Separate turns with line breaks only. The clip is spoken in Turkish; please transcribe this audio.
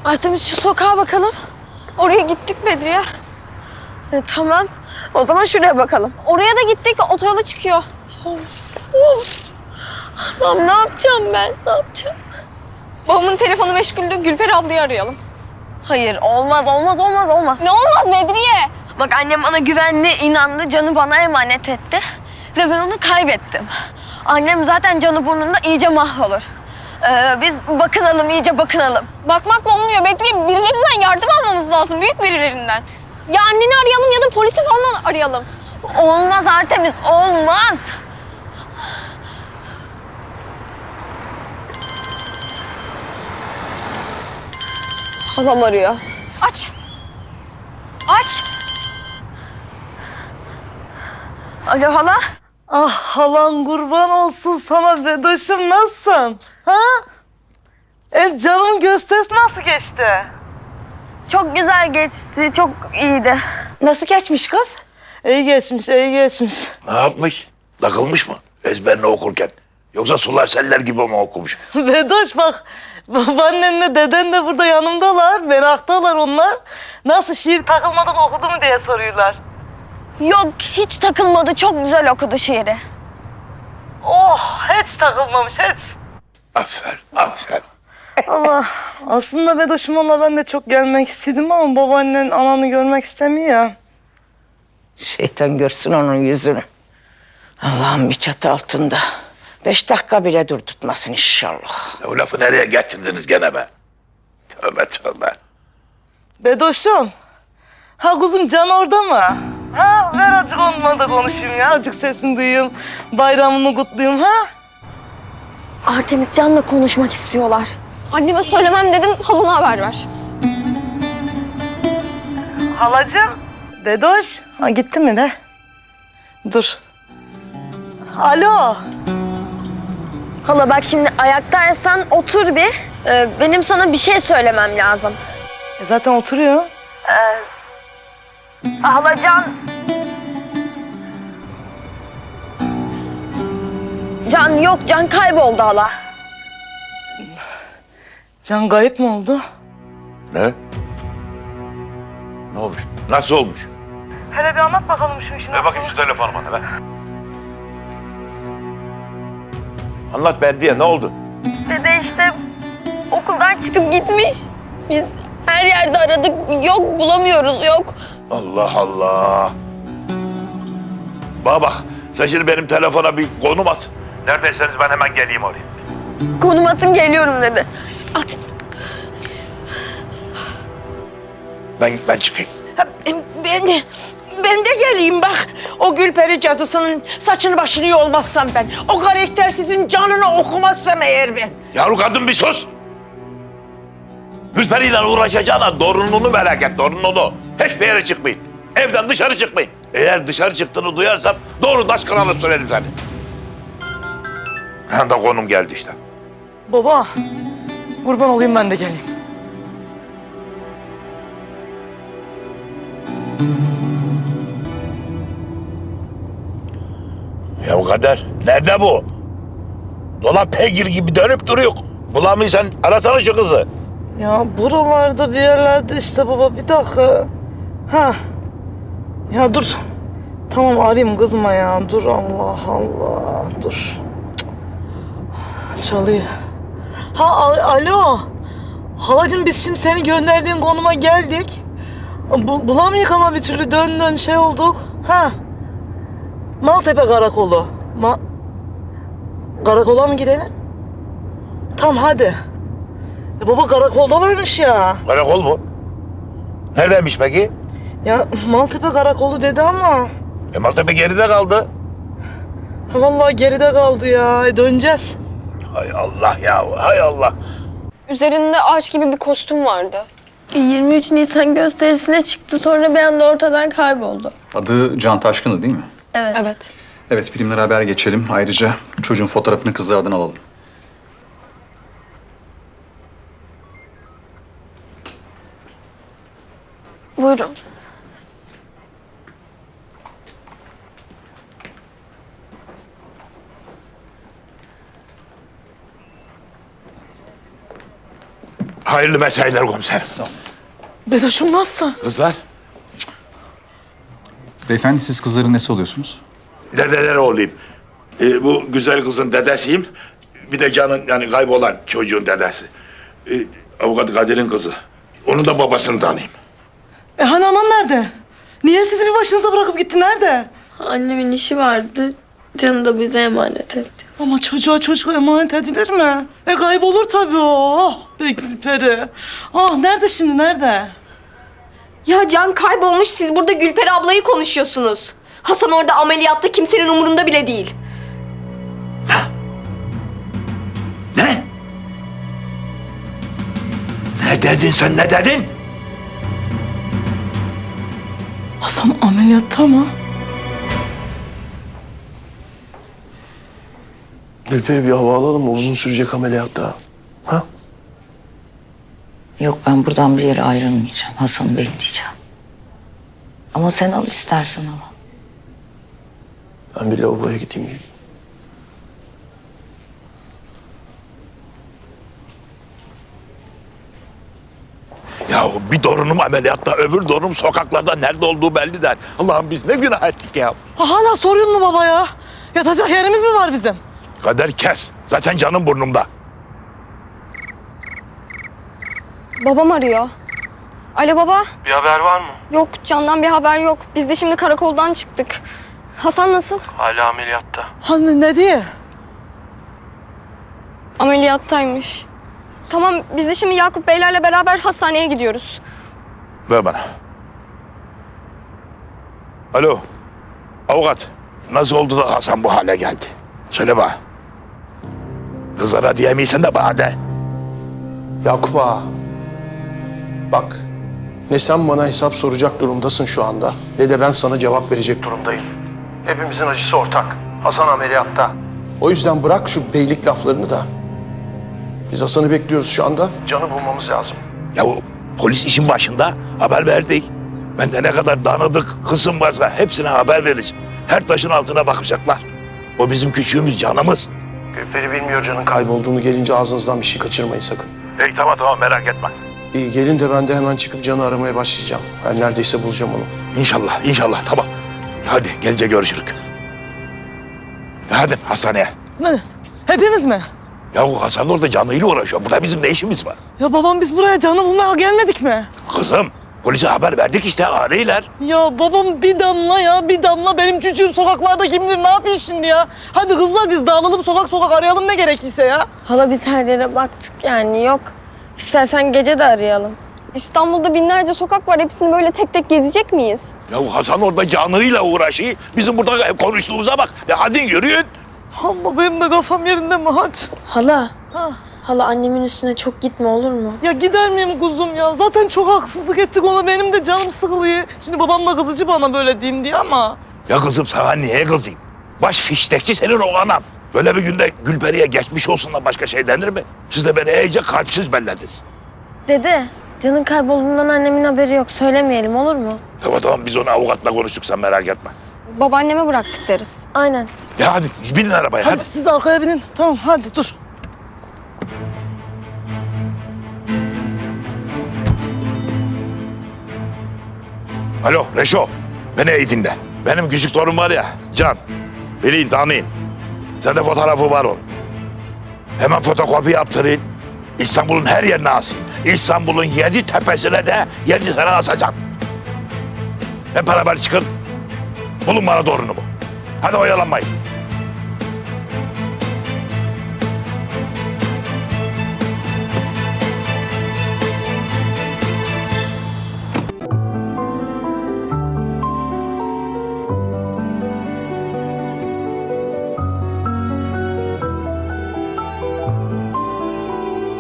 Artemis şu sokağa bakalım.
Oraya gittik Bedriye.
Tamam. O zaman şuraya bakalım.
Oraya da gittik. Otoyola çıkıyor.
Of. Lan ne yapacağım ben? Ne yapacağım?
Babamın telefonu meşguldü. Gülper ablayı arayalım.
Hayır olmaz.
Ne olmaz Bedriye?
Bak annem bana güvendi, inandı, Can'ı bana emanet etti. Ve ben onu kaybettim. Annem zaten Can'ı burnunda iyice mahvolur. Biz bakınalım, iyice bakınalım.
Bakmakla olmuyor Bedriye. Birilerinden yardım almamız lazım. Büyük birilerinden. Ya anneni arayalım ya da polisi falan arayalım.
Olmaz Artemis, olmaz. Halam arıyor.
Aç. Aç.
Alo hala?
Ah halan kurban olsun sana Bedoş'um, nasılsın? Ha? Canım gösterisi nasıl geçti?
Çok güzel geçti, çok iyiydi.
Nasıl geçmiş kız?
İyi geçmiş, iyi geçmiş.
Ne yapmış? Takılmış mı? Ezberini okurken. Yoksa sular seller gibi mi okumuş?
Bedoş bak, babaannenle deden de burada yanımdalar, meraktalar onlar. Nasıl şiir takılmadan okudu mu diye soruyorlar.
Yok, hiç takılmadı, çok güzel okudu şiiri.
Oh, hiç takılmamış, hiç.
Aferin, aferin.
Ama aslında Bedoş'um onunla ben de çok gelmek istedim ama babaannen ananı görmek istemiyor ya.
Şeytan görsün onun yüzünü. Allah'ım bir çatı altında. 5 dakika bile dur tutmasın inşallah.
O lafı nereye getirdiniz gene be? Tövbe tövbe.
Bedoş'um, ha kuzum Can orada mı? Ha ver azıcık onunla da konuşayım ya, azıcık sesini duyayım, bayramını kutlayayım ha.
Artemis Can'la konuşmak istiyorlar.
Anneme söylemem dedin. Halına haber ver.
Halacığım. Bedoş, ha gitti mi ne? Dur. Alo.
Hala bak şimdi ayaktaysan otur bir. Benim sana bir şey söylemem lazım.
Zaten oturuyor.
Hala Can. Can yok, Can kayboldu hala.
Can kayıp mı oldu?
Ne? Ne olmuş? Nasıl olmuş?
Hele bir anlat bakalım şu işini.
Ver bakayım şu telefonu bana ver. Anlat Berdiye, ne oldu?
Dede işte okuldan çıkıp gitmiş. Biz her yerde aradık, yok bulamıyoruz, yok.
Allah Allah. Bana bak, sen şimdi benim telefona bir konum at. Neredeyseniz ben hemen geleyim oraya.
Konum atın geliyorum dedi.
At.
Ben çıkayım.
Ben de geleyim bak. O Gülperi cadısının saçını başını yolmazsam ben. O karaktersizin canını okumazsam eğer ben.
Yavru kadın bir sus. Gülperi'yle uğraşacağına torununu merak et, torununu. Hiçbir yere çıkmayın. Evden dışarı çıkmayın. Eğer dışarı çıktığını duyarsam doğru taş kıralıp söylerim seni. Hem de konum geldi işte.
Baba, kurban olayım ben de geleyim.
Ya Kader, nerede bu? Dolap peygir gibi dönüp duruyor. Bulamıyorsan arasana şu kızı.
Ya buralarda bir yerlerde işte baba, bir dakika. Ha. Ya dur. Tamam arayayım kızma ya. Dur Allah Allah. Dur. Cık. Çalıyor. Ha alo. Halacığım biz şimdi seni gönderdiğin konuma geldik. Bulamayık ama bir türlü dön şey olduk. Ha. Maltepe Karakolu. Karakola mı gidelim? Tamam hadi. Baba karakolda varmış ya.
Karakol mu? Neredeymiş peki?
Ya Maltepe Karakolu dedi ama.
Maltepe geride kaldı.
Ha, vallahi geride kaldı ya. Döneceğiz.
Hay Allah ya, hay Allah.
Üzerinde ağaç gibi bir kostüm vardı.
23 Nisan gösterisine çıktı, sonra bir anda ortadan kayboldu.
Adı Can Taşkın'dı değil mi?
Evet.
Evet.
Evet, birimlere haber geçelim. Ayrıca çocuğun fotoğrafını kızlardan alalım.
Buyurun.
Hayırlı mesailer komiser.
Bedoş'um nasılsın?
Kızlar,
Beyefendi siz kızların nesi oluyorsunuz?
dedeleri olayım. Bu güzel kızın dedesiyim. Bir de Can'ın yani kaybolan çocuğun dedesi. Avukat Kadir'in kızı. Onun da babasını tanıyayım.
Hani aman nerede? Niye sizi bir başınıza bırakıp gitti, nerede?
Annemin işi vardı. Canı da bize emanet etti.
Ama çocuğa emanet edilir mi? Kaybolur tabii o. Oh be Gülperi. Ah nerede şimdi, nerede?
Ya Can kaybolmuş, siz burada Gülper ablayı konuşuyorsunuz. Hasan orada ameliyatta, kimsenin umurunda bile değil.
Ne? Ne dedin sen, ne dedin?
Hasan ameliyatta mı?
Gülperi bir hava alalım mı? Uzun sürecek ameliyat daha. Ha?
Yok ben buradan bir yere ayrılmayacağım. Hasan'ı bekleyeceğim. Ama sen al istersen ama.
Ben bir lavaboya gideyim.
Ya bir torunum ameliyatta, öbür torunum sokaklarda nerede olduğu belli değil. Allah'ım biz ne günah ettik ya.
Hala soruyor mu baba ya? Yatacak yerimiz mi var bizim?
Kader kes. Zaten canım burnumda.
Babam arıyor. Alo baba.
Bir haber var mı?
Yok, Can'dan bir haber yok. Biz de şimdi karakoldan çıktık. Hasan nasıl?
Hala ameliyatta.
Hani ne diye?
Ameliyattaymış. Tamam, biz de şimdi Yakup Beylerle beraber hastaneye gidiyoruz.
Ver bana. Alo. Avukat. Nasıl oldu da Hasan bu hale geldi? Söyle bana. Kızlara diyemeysen de bana de.
Yakup ağa. Bak. Ne sen bana hesap soracak durumdasın şu anda, ne de ben sana cevap verecek durumdayım. Hepimizin acısı ortak. Hasan ameliyatta. O yüzden bırak şu beylik laflarını da. Biz Hasan'ı bekliyoruz şu anda. Can'ı bulmamız lazım.
Ya o polis işin başında haber verdik. Ben de ne kadar dağınık kızım varsa hepsine haber vereceğim. Her taşın altına bakacaklar. O bizim küçüğümüz, canımız.
Gülperi bilmiyor Can'ın kaybolduğunu, gelince ağzınızdan bir şey kaçırmayın sakın.
İyi tamam merak etme.
İyi, gelin de ben de hemen çıkıp Can'ı aramaya başlayacağım. Her neredeyse bulacağım onu.
İnşallah tamam. Hadi gelince görüşürük. Hadi hastaneye.
Ne? Hepimiz mi?
Ya o Hasan orada canıyla uğraşıyor. Burada bizim ne işimiz var?
Ya babam biz buraya canı bulmaya gelmedik mi?
Kızım polise haber verdik işte arıyorlar.
Ya babam bir damla benim çocuğum sokaklarda kim bilir ne yapıyor şimdi ya? Hadi kızlar biz dağılalım, sokak arayalım ne gerekirse ya.
Hala biz her yere baktık yani yok. İstersen gece de arayalım.
İstanbul'da binlerce sokak var. Hepsini böyle tek tek gezecek miyiz?
Ya Hasan orada canıyla uğraşıyor. Bizim burada konuştuğumuza bak. Ya hadi yürüyün.
Allah benim de kafam yerinde mi hadi?
Hala.
Ha.
Hala annemin üstüne çok gitme olur mu?
Ya gider miyim kuzum ya? Zaten çok haksızlık ettik ona. Benim de canım sıkılıyor. Şimdi babam da kızıcı bana böyle diyeyim diye ama.
Ya kızım sana niye kızayım? Baş fiştekçi senin o anam. Böyle bir günde Gülperi'ye geçmiş olsun da başka şey denir mi? Siz de beni iyice kalpsiz bellediniz.
Dede, Can'ın kaybolduğundan annemin haberi yok. Söylemeyelim olur mu?
Tamam biz onu avukatla konuştuk sen merak etme.
Babaanneme bıraktık deriz.
Aynen.
Ya hadi binin arabaya
Hadi
hadi.
siz arkaya binin. Tamam hadi dur.
Alo Reşo. Beni iyi dinle. Benim küçük torun var ya Can. Bilin tanıyın. Sende fotoğrafı var onun. Hemen fotokopi yaptırın. İstanbul'un her yerine asın. İstanbul'un 7 tepesine de 7 tane asacağım. Hep beraber çıkın. Bulun bana torunumu. Hadi oyalanmayın.